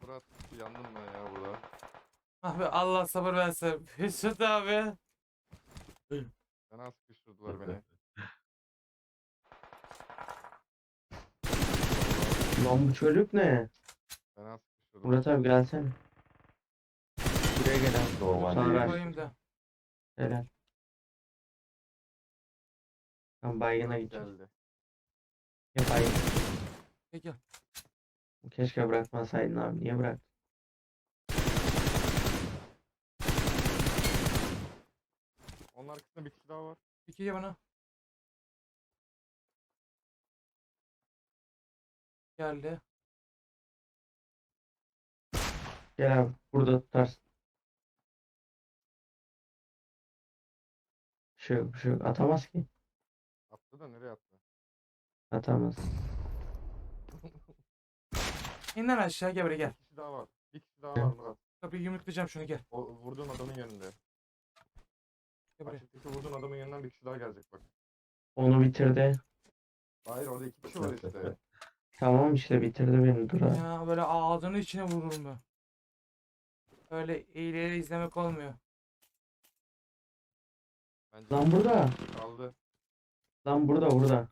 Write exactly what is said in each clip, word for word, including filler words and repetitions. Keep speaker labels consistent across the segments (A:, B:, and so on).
A: Murat yandım ben ya burada.
B: Abi Allah sabır versin. Hüsnü abi.
A: Fena sıkıştırdılar beni.
C: Lan bu çocuk ne?
A: Fena sıkıştırdılar.
C: Murat abi gelsene. Buraya gel abi.
D: Normal
C: Sana
D: değil.
C: ver.
B: Koyayım da.
C: Helal. Ben baygına gideceğim.
A: Geldi.
C: Ya baygın.
B: Peki.
C: Keşke bırakmasaydın abi. Niye bıraktın?
A: Onun arkasında bir kişi daha var.
B: Peki ya bana. Geldi.
C: Gel abi. Burada tutarsın. Bir şey yok, bir şey yok. Atamaz ki.
A: Attı da nereye attı?
C: Atamaz.
B: İn lan aşağı gel buraya gel.
A: Bir kişi daha var. Bir kişi daha var Murat.
B: Kapıyı yumruklayacağım şunu gel.
A: O vurduğun adamın yönünde.
B: Gel buraya.
A: Açıktaki vurduğun adamın yanından bir kişi daha gelecek bak.
C: Onu bitirdi.
A: Hayır orada iki kişi var işte.
C: Tamam işte bitirdi beni. Dur abi.
B: Ya böyle ağzının içine vururum ben. Öyle eğileri izlemek olmuyor.
A: Bence
C: Lan burada.
A: kaldı.
C: Lan burada burada.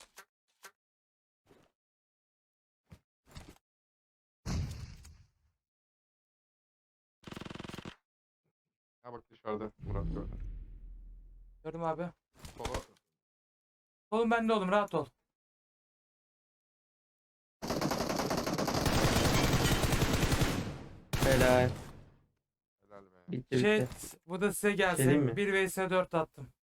A: Ha bak dışarıda Murat gördü.
B: Gördüm abi.
A: Sola.
B: Oğlum bende oğlum rahat ol.
C: Helal.
A: Helal be.
C: Bitti
B: Şey
C: bitti.
B: bu da size
C: Şey diyeyim
B: gelsin.
C: mi?
B: bir vs dört attım.